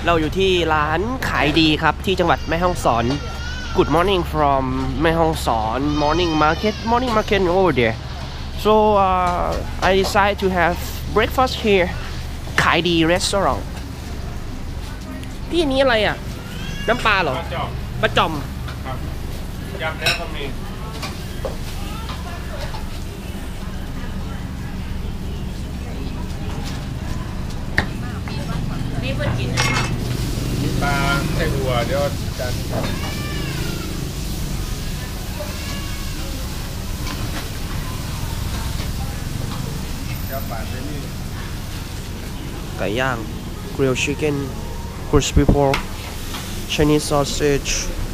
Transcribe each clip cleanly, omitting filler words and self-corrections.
เราอยู่ที่ร้านขายดีครับที่จังหวัดแม่ฮ่องสอน Good morning from แม่ฮ่องสอน morning market over there. So I decided to have breakfast here. ขายดี restaurant. พี่อันนี้อะไรอ่ะน้ำปลาเหรอปลาจอมครับยำแล้วก็มีนี่เพิ่งกินปลาไส้หัวเดี๋ยวจานยำปลาเส้นนี่ไก่ย่าง grilled chicken crispy pork Chinese sausage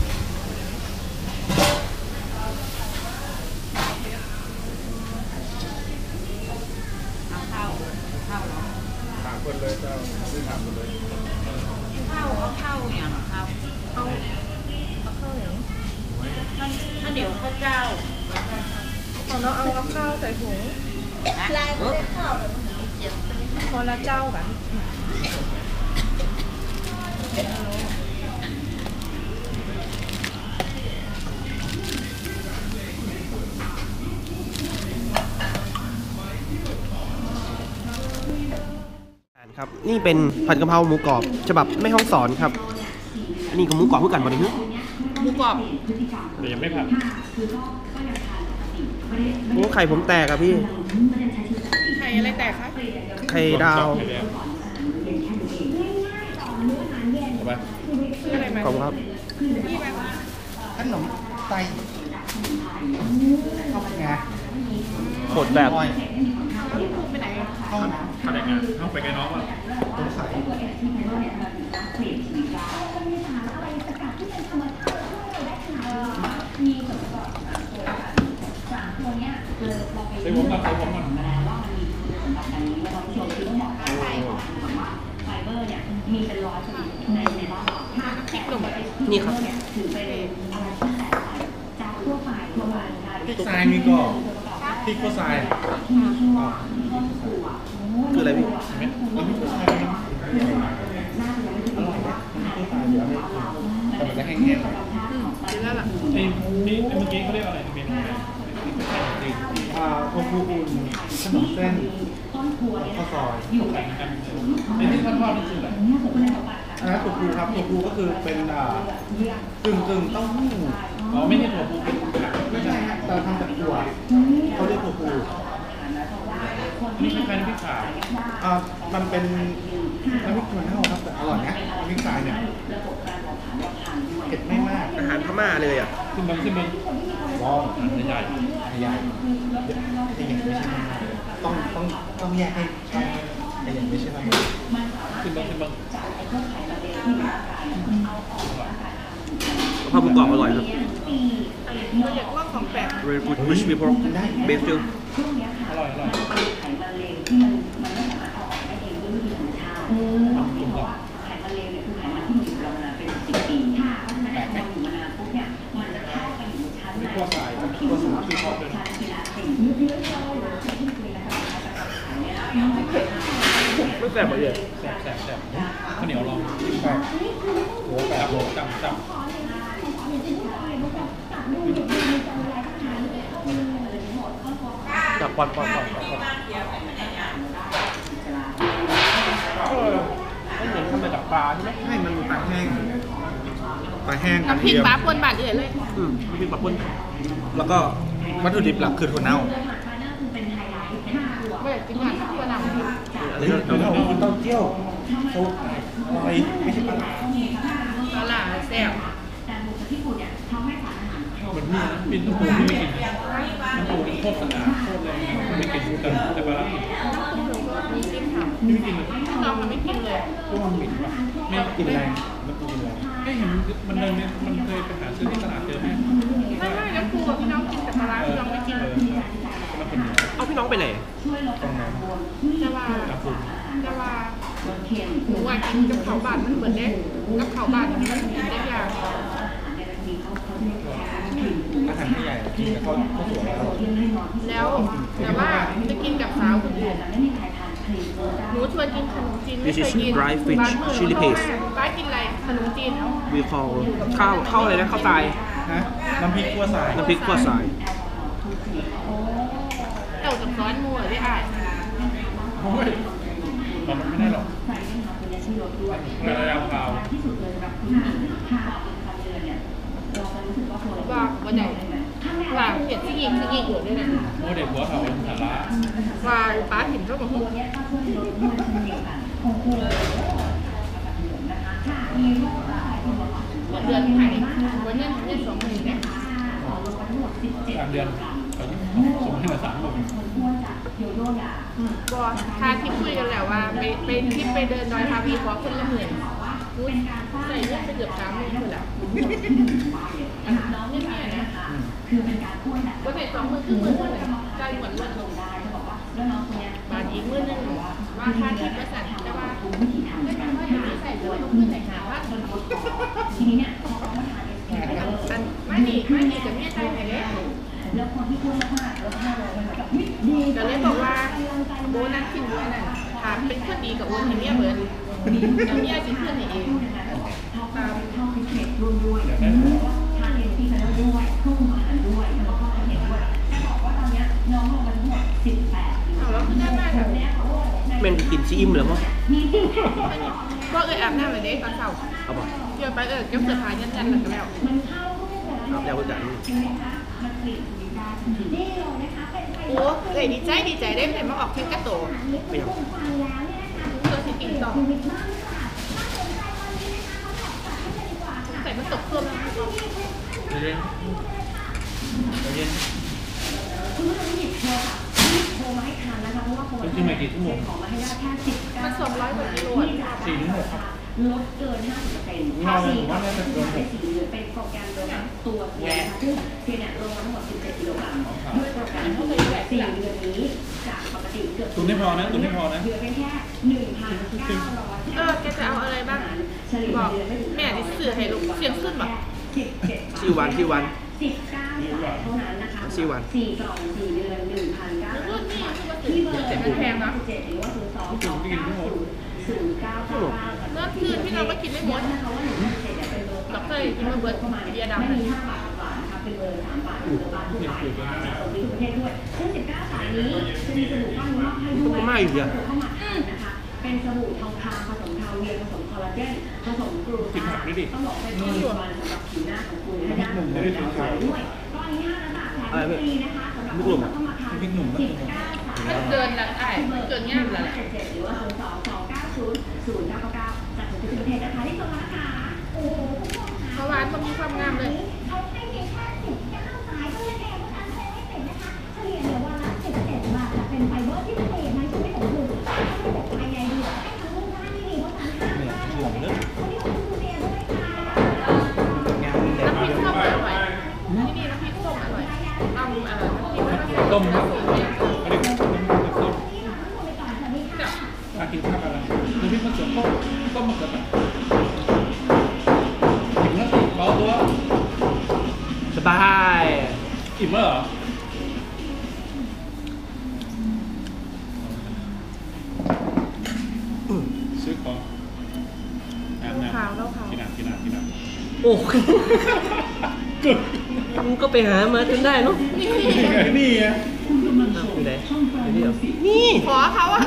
ถามคนเลยเจ้าไม่ถามคนเลยข้าวอย่างข้าวข้าวอย่างถ้าเดี๋ยวข้าวเจ้าของเราเอาข้าวใส่ถุงลายไม่ได้ข้าวเลยคนละเจ้ากันครับนี่เป็นผัดกะเพราหมูกรอบฉบับแม่ฮ่องสอนครับอันนี้ก็หมูกรอบเพื่อกันบ่ได้ฮึหมูกรอบแต่ยังไม่ผัดโอ้ไข่ผมแตกอะพี่ไข่อะไรแตกคะไข่ดาวชื่ออะไรไหมขอบคุณครับขนมไตเข้าไปไงโหดแบบไปไหนเข้าผัดยังไงเข้าไปไงน้องอ่ะต้องใส่ใส่ผมก่อนใส่ผมก่อนนี่ครับพริกทรายมีก็พริกก็ทรายคืออะไรพี่แล้วพริกก็ทรายอร่อยนะพริกก็ทรายเดี๋ยวให้แต่มันจะแห้งๆหน่อยกินแล้วล่ะไอ้นี่เมื่อกี้เขาเรียกอะไรเมนูโทฟูอุ่นขนมเส้นข้าวซอยไอ้ที่ทอดนี่คืออะไรอันนั้นโทฟูครับโทฟูก็คือเป็นกึ่งเต้าหู้อ๋อไม่ใช่ถั่วพูเป็นไม่ใช่ฮะแต่ทำจากถั่วเขาเรียกโทฟูนี่คล้ายๆน้ำพริกขาวมันเป็นน้ำพริกถั่วเน่าครับแต่อร่อยนะน้ำพริกทรายเนี่ยเผ็ดไม่มากอาหารพม่าเลยอ่ะขึ้นบังลองใหญ่ใหญ่ที่อย่างไม่ใช่ต้องแยกให้ไอ้อย่างไม่ใช่ไหมขึ้นบังกะเพราหมูกรอบอร่อยครับเราอยากลองของแปลก Very good crispy pork basil อร่อยจุ่มก่อนขั้วสายขั้วสูงที่ชอบเลยไม่แสบเลยแสบข้าวเหนียวลองหัวแปบจับจับปอนไม่เหมือนทำมาจากปลาใช่ไหมให้มันปลาแห้งน้ำพริกปลาป่นบาดเดือดเลยน้ำพริกปลาป่นแล้วก็วัตถุดิบหลักคือถั่วเน่าไม่อยากกินอาหารถั่วเน่าเต้าเจี้ยวซุปอะไรไม่ใช่ปลาปลาแซ่บเหมือนนี่ปิ่นตูไม่กินน้ำปูโคตรสะอาดโคตรเลยไม่กินแต่ปลามีซิมค่ะไม่กินเลยน้องมันไม่กินเลยพวกมันเหม็นว่ะไม่กินแรงมันกินแรงไม่เห็นมันเลยมันเคยไปหาซื้อที่ตลาดเจอไหมไม่แล้วครูกับพี่น้องกินแต่ปลาพี่น้องไม่กินเอาพี่น้องไปไหนตรงนั้นจะว่าหนูว่ากินกับเขาบานมันเหมือนเล็กกับเขาบานมันกินได้ยากอาหารไม่ใหญ่กินกับข้าวสวยแล้วแต่ว่าจะกินกับสาวคนอื่นหนูชวนกินขนมจีนไม่ This เค is ยกิน dry fish chili paste ป้ากินอะไรขนมจีน we call ข้าวอะไรนะข้าวตายฮะน้ำพริกขั่วสายน้ำพริกขั่วสายเต่ากับซ้อนมัวได้อ่านโอ้ยตอนนั้นไม่ได้หรอกระยะข่าวว่าวันไหนว่าเขียนที่ยิงอยู่ด้วยนะโมเด็กหัวเขาสาระว่าป้าเห็นก็บอกเดือนไทยวันนี้ได้20,000เนี่ยกลางเดือนเขาส่งให้มา30,000 ก็ทาที่คุยกันแล้วว่าไปทริปไปเดินดอยทาวีขอคนละ10,000รู้ใส่เงินไปเกือบ30,000คนแล้วน้องเนี่ยนะก็ใส่20,000ครึ่ง10,000เลยได้หมดเลยบาทอีก10,000นึงว่าค่าที่ประสานแต่ว่าไม่ทำว่าอย่างนี้ใส่เสื้อลงขึ้นไหนหาว่าไม่ดีจะไม่ใจไหนเลยแต่เลยบอกว่าโบนัสทิ้งด้วยนั่นถามเป็นคนดีกับโอนให้เมียเบิร์ดแต่เมียจะเพื่อนเองตามอยากได้หัวเอาแล้วคือได้มากแบบนี้แม่นกินซีอิ่มเหรอมั้งก็อาบน้ำเลยเด้ตอนเช้าเอาป่ะเกี่ยวไปเก็บเสื้อผ้ายันหลังกันแล้วเอาแล้วก็จันโอ้ดีใจได้เลยมาออกทริปกระโตไม่เอาเพื่อสิกินต่อใส่มันตกเครื่องแล้วเย็นเย็นเป็นที่ใหม่กี่ชั่วโมงมัน200 กว่ากิโล 4 ถึง 6 ครับลดเกิน 50% เราผมว่าน่าจะเกินเป็นสีเหลืองเป็นโปรแกรมโดยตัวเองนะคะซึ่งเพียงเนี่ยลงมาทั้งหมด 17 กิโลกรัมด้วยโปรแกรมที่4 เดือนนี้จากปกติเกือบตุนไม่พอนะตุนไม่พอนะเหลือเพียงแค่ 1,900 แกจะเอาอะไรบ้างบอกแม่ที่สื่อให้ลูกเสียงขึ้นแบบซีวัน 19สายเท่านั้นนะคะซีวัน 4 กล่อง 4 เดือน 1,900 ที่เบอร์แต่มันแพงนะ 17หรือว่า02 290 เมื่อคืนที่เราก็กินไม่หมดดอกเตอร์กินมาเบิร์ดเบียร์ดำมี5 บาทกว่านะคะเป็นเบอร์3 บาทหรือบาททุกบาทส่งที่ประเทศด้วยซึ่ง19 สายนี้จะมีสบู่ก้อนมอบให้ด้วยเข้ามาทานนะคะ เป็นสบู่ทองคำผสมคาเวียร์ผสมคอลลาเจนผสมกลูตาต้องบอกเป็นตัววันสำหรับผิวหน้าของคุณให้ได้ผลด้วยก้อนนี้5 บาทแถมฟรีนะคะสำหรับผู้เข้ามาทาน19 สายมันเกินละเกินง่ายแล้วหรือว่า02-290-0999จากทุกประเทศนะคะที่ส่งมาค่ะโอ้โหเพราะว่ามันมีความงามเลยเขาให้เพียงแค่19 สายก็เลยแพงว่าอันเซไม่ติดนะคะเฉลี่ยเหลือวันละ17 บาทแต่เป็นไฟเบอร์ที่เปลี่ยนในชีวิตของคุณถ้าไม่แต่ภายในดีให้ทั้งรูปหน้าที่ดีเพราะฉะนั้นเนี่ยห่วงเรื่องคนที่คุณดูเรียด้วยค่ะงานเด็กน้ำพริกเยส้มอะอร่อยที่นี่น้ำพริกส้มอร่อยเอาน้ำพริกมันต้มผครับสมเนี่ยอันนี้ต้มมากินข้าวอะไรน้ำพริกมะเขือต้มมะเขือแบบอิ่มแล้วสิเบาตัวสบายอิ่มแล้วเหรอซื้อของน้ำกินน้ำโอ้มึงก็ไปหามาจนได้เนาะนี่ไงอยู่ไหนอยู่นี่เหรอนี่ขอเขาอะ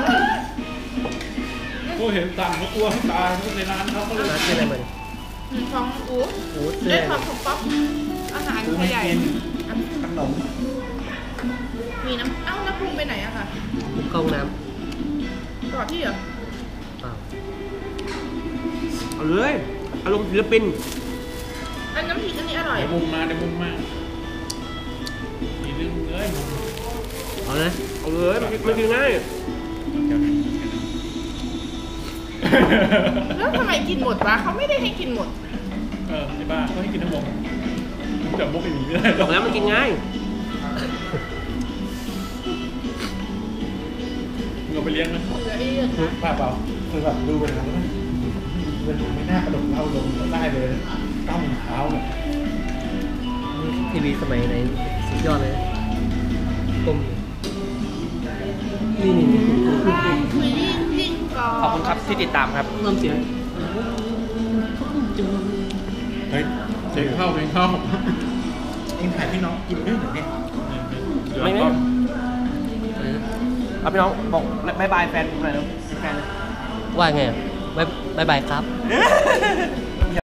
กูเห็นสั่งเขากลัวให้ตายในร้านเขาก็เลยร้านชื่ออะไรมาเนี่ยของอูโอ้เสื้ได้อความของป๊อปอาหารซื้อไทไม่ยใหญ่กินขนมมีน้ำน้ำปรุงไปไหนอะคะเข้าห้องน้ก่อนที่เหรอำเปล่าเอาเลยอารมณ์ศิลปินอันน้ำพริกอันนี้อร่อยเดี๋ยวมุมมาอีกนึงเลยมุมเอาเลยเอาเลยมันกินง่ายแล้วทำไมกินหมดวะเขาไม่ได้ให้กินหมดไอ้บ้าเขาให้กินทั้งหมดจับมุกไปหนีไม่ได้หรบออกแล้วมันกินง่ายเงาไปเลี้ยงนะเหลืออีกคือเปล่าคือแบบดูไปแล้วมันไม่น่ากระโดดเล่าลงได้เลยก้าวเท้าแบบทีวีสมัยไหนสุดยอดเลยกลมนี่คุยขอบคุณครับที่ติดตามครับน้ำเสียงเฮ้ยเสียงเข้าเองเข้าเองถ่ายพี่น้องกินด้วยเหรอเนี่ยไม่เอาพี่น้องบอกบายบายแฟนผมหน่อยเร็วแฟนเลยว่าไงบายบายครับ